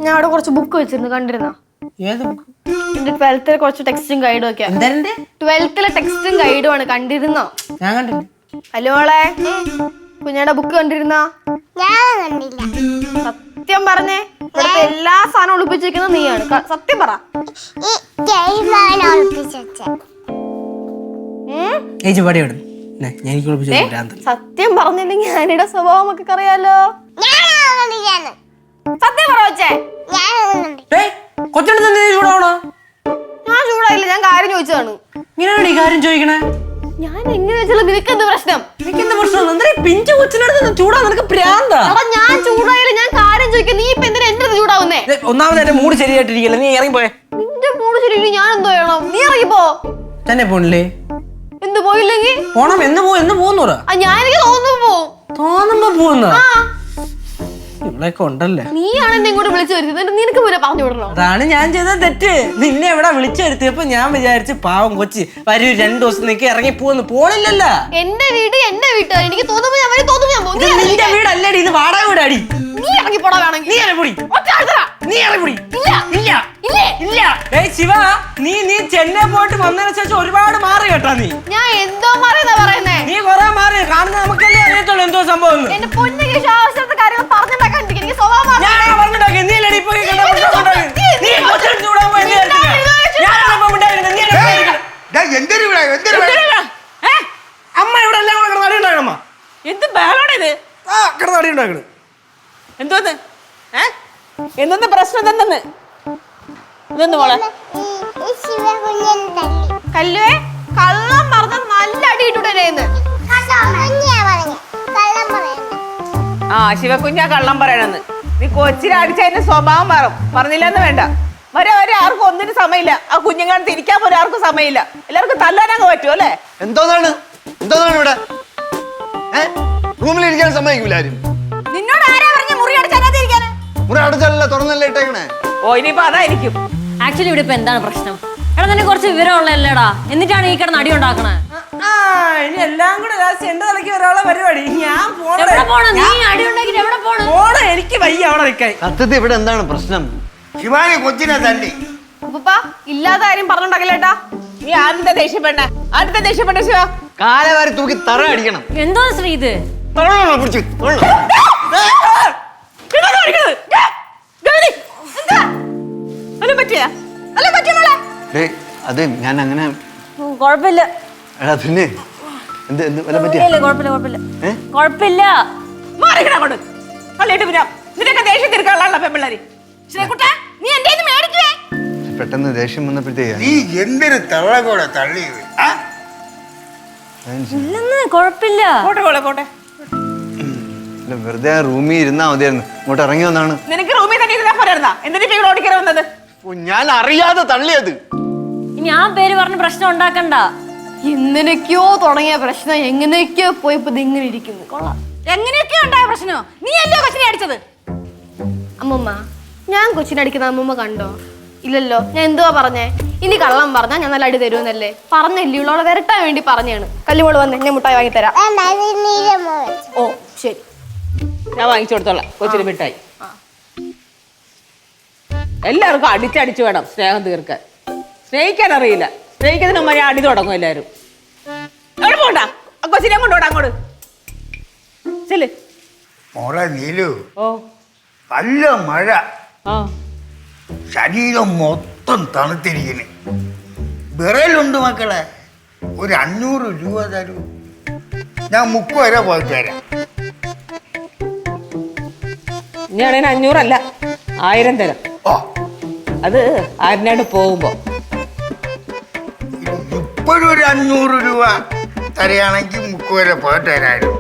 ഞാൻ അവിടെ കുറച്ച് ബുക്ക് വെച്ചിരുന്നു, കണ്ടിരുന്നോ? ഏത് ബുക്ക്? എന്റെ 12th കുറച്ച് ടെക്സ്റ്റും ഗൈഡും ഒക്കെ. 12th ടെക്സ്റ്റും ഗൈഡും ആണ്, കണ്ടിരുന്നോ? ഞാൻ കണ്ടില്ല. ഹലോ മോളെ, കുഞ്ഞാടെ ബുക്ക് കണ്ടിരുന്നോ? സത്യം പറഞ്ഞേ, ഇവിടുത്തെ എല്ലാ സാധനവും ഒളിപ്പിച്ചിരിക്കുന്നത് നീയാണ്. സത്യം പറ. സത്യം പറഞ്ഞില്ലെങ്കിൽ ഞാനിയുടെ സ്വഭാവം ഒക്കെ അറിയാലോ. സത്യം പറ വെച്ചേ. ഞാൻ ചൂടായില്ല, ഞാൻ കാര്യം ചോദിച്ചതാണ്. ഇങ്ങനെയാണ് ഈ കാര്യം ചോദിക്കണേ? ഞാൻ എങ്ങനെ വെച്ചാൽ നിനക്ക് എന്ത് പ്രശ്നം? പിഞ്ചു കൊച്ചിനടുത്ത് ചൂടാ, നിനക്ക് പ്രാന്താ? ഞാൻ ചൂടായില്ല, ഞാൻ കാര്യം ചോദിക്കാം. നീ ഇപ്പൊ എന്തിനാ എന്റെ ചൂടാവുന്നേ? ഒന്നാമത് എന്റെ മൂഡ് ശരിയായിട്ടിരിക്കില്ല, നീ ഇറങ്ങിപ്പോയെ. നിന്റെ മൂഡ് ശരിയില്ല, ഞാൻ എന്തോ ചെയ്യണം? നീ ഇറങ്ങിപ്പോ. തന്നെ പോണില്ലേ? എന്ത് പോയില്ലെങ്കിൽ പോണം. എന്ന് പോകുന്നൂറ? ഞാൻ എനിക്ക് തോന്നുമ്പോ പോകുന്ന ഇവിടെയൊക്കെ ഉണ്ടല്ലേ. നീയാണ് എന്നെ ഇങ്ങോട്ട് വിളിച്ചു വരുത്തിയത്, നിനക്ക് പോലെ പറഞ്ഞു വിടണോ? അതാണ് ഞാൻ ചെയ്ത തെറ്റ്. നിന്നെ ഇവിടെ വിളിച്ചു വരുത്തിയപ്പോ ഞാൻ വിചാരിച്ചു പാവം കൊച്ചി വരൂ 2 ദിവസം നിനക്ക് ഇറങ്ങി പോണില്ലല്ലോ. എന്റെ വീട് എന്റെ വീട്ടാ, എനിക്ക് തോന്നുമ്പോ ഞാൻ വരും, തോന്നുമ്പോ ഞാൻ പോകും. നിന്റെ വീടല്ലേടി, ഇത് വാടക വീടാടി. നീ ഇറങ്ങി പോടാ വേണമെങ്കിൽ. നീ ഇറങ്ങിപ്പൊടി. നീ ഇറങ്ങിപ്പൊടി. ഇല്ല ഇല്ല ഇല്ലേ ഇല്ല. ഏയ് ശിവ, നീ ചെന്നൈ പോയിട്ട് വന്നതിന് ശേഷം ഒരുപാട് മാറി കേട്ടാ. നീ ഞാൻ എന്തോ മാറിയെന്നാ പറയുന്നേ? നീ കൊറേ മാറി. കാണുന്ന നമുക്കല്ലേ അറിയത്തുള്ളൂ എന്തോ സംഭവം. എന്റെ പൊന്നിക്ക് ആവശ്യത്തെ കാര്യങ്ങൾ പറഞ്ഞിട്ടാക്കാൻ എനിക്ക് സ്വഭാവം. അമ്മ ഇവിടെ എല്ലാം കൂടെ കിടന്നാടി ഉണ്ടാക്കണമ്മ. എന്ത് ബഹളാണിത്? കിടന്നാടി ഉണ്ടാക്കണ്. എന്തോന്ന് എന്തെന്ന് പ്രശ്നം എന്തെന്ന്? ഇതൊന്ന് മോളെ കല്ലുവേ, കള്ളം പറഞ്ഞ നല്ല അടി ഇട്ടുടേന്ന്. ആ ശിവകുഞ്ഞാ കള്ളം പറയണെന്ന്. നീ കൊച്ചിനെ അടിച്ചതിന്റെ സ്വഭാവം പറഞ്ഞില്ലെന്ന് വേണ്ട. വരെ ആർക്കും ഒന്നിനും സമയമില്ല. ആ കുഞ്ഞുങ്ങളെ തിരിക്കാൻ പോലും ആർക്കും സമയമില്ല. എല്ലാവർക്കും തല്ലാനങ്ങ് പറ്റും അല്ലേ? എന്തോന്നാണ് ഇവിടെ? റൂമിലിരിക്കാൻ സമ്മതിക്കൂല ആരും. നിന്നോട് ആരാ പറഞ്ഞ മുറി അടച്ചാതിരിക്കാന്? മുറി അടച്ചല്ല, തുറന്നല്ലേ ഇട്ടേക്കണേ. ഓ ഇനിയിപ്പോ അതായിരിക്കും. ആക്ച്വലി ഇവിടെ ഇപ്പൊ എന്താണ് പ്രശ്നം? എടാ നിന്നെ കുറച്ച് വിവരമുള്ളല്ലേടാ, എന്നിട്ടാണ് ഈ കിടന്ന് അടി ഉണ്ടാക്കണേ. ഇനി എല്ലാം കൂടെ എന്റെ തലയ്ക്ക് ഒരാളെ പരിപാടി. ഞാൻ നീ അടി ഉണ്ടാക്കിട്ട് എവിടെ പോണ? എനിക്ക് വയ്യ അവിടെ നിൽക്കാൻ. സത്യത്തിൽ ഇവിടെ എന്താണ് പ്രശ്നം? ശിവാനി കൊച്ചിനെ തല്ലി. ഉപ്പ ഇല്ലാത്ത കാര്യം പറഞ്ഞോണ്ടാക്കല്ലേട്ടാ. നീ ആദ്യത്തെ ദേഷ്യപ്പെട്ട ശിവ. കാലവാരി തൂക്കി തറ അടിക്കണം. എന്തോ ശ്രീ ഇത്? അത് ഞാൻ അങ്ങനെ കുഴപ്പമില്ല. എടാ പിന്നെ കുഴപ്പമില്ല. പെട്ടെന്ന് ദേഷ്യം വന്നപ്പോഴത്തേക്ക് നീ എന്തൊരു തള്ളകൂടെ തള്ളിയത്. കുഴപ്പമില്ല. വെറുതെ റൂമിൽ ഇരുന്നാ മതിയായിരുന്നു. ഇങ്ങോട്ട് ഇറങ്ങി വന്നാണ്. നിനക്ക് റൂമിൽ തന്നെ ഇരുന്നാ പോരായിരുന്നാ? എന്തിനാ ഓടിക്കറി വന്നത്? ഞാൻ അറിയാതെ തള്ളിയത്. ഇനി ആ പേര് പറഞ്ഞ് പ്രശ്നം ഉണ്ടാക്കണ്ട. എന്തിനൊക്കെയോ തുടങ്ങിയ പ്രശ്നം എങ്ങനെയൊക്കെയോ പോയപ്പോ ഇങ്ങനെ ഇരിക്കുന്നു. കൊള്ളാം. എങ്ങനെയൊക്കെയോ ഉണ്ടായ പ്രശ്നോ? നീ അല്ലോ കൊച്ചിനെ അടിച്ചത്? അമ്മൂമ്മ, ഞാൻ കൊച്ചിനെ അടിക്കുന്ന അമ്മൂമ്മ കണ്ടോ? ഇല്ലല്ലോ. ഞാൻ എന്തുവാ പറഞ്ഞേ? ഇനി കള്ളം പറഞ്ഞാ ഞാൻ നല്ല അടി തരുമെന്നല്ലേ പറഞ്ഞല്ലേ? ഉള്ളവളെ വരട്ടാൻ വേണ്ടി പറഞ്ഞാണ്. കല്ലുമോള് വന്ന് ഞാൻ മുട്ടായി വാങ്ങിത്തരാം. ഓ ശരി, ഞാൻ വാങ്ങിച്ചു കൊടുത്തോളാം കൊച്ചിന് മിഠായി. എല്ലാവർക്കും അടിച്ചടിച്ച് വേണം സ്നേഹം തീർക്കാൻ. സ്നേഹിക്കാൻ അറിയില്ല. സ്നേഹിക്കുന്നതിന് മുമ്പ് ഞാൻ അടി തുടങ്ങും എല്ലാവരും. എവിടെ പോണ്ട? കൊച്ചിനെ കൊണ്ടോടാ അങ്ങോട്ട്. ചെല്. മോളെ നീലു, ഓ നല്ല മഴ, ആ ശരീരം മൊത്തം തണുത്തിരിക്കുന്നു. വിറലുണ്ട് മക്കളെ. ഒരു 500 രൂപ തരൂ, ഞാൻ 30 വരെ പോയി തരാം. ഞാനതിന് 500 അല്ല 1000 തരാം. ഓ, അത് ആരിനാട് പോകുമ്പോ. ഇപ്പോഴും ഒരു 500 രൂപ തരികയാണെങ്കിൽ 30 വരെ പോയി തരായിരുന്നു.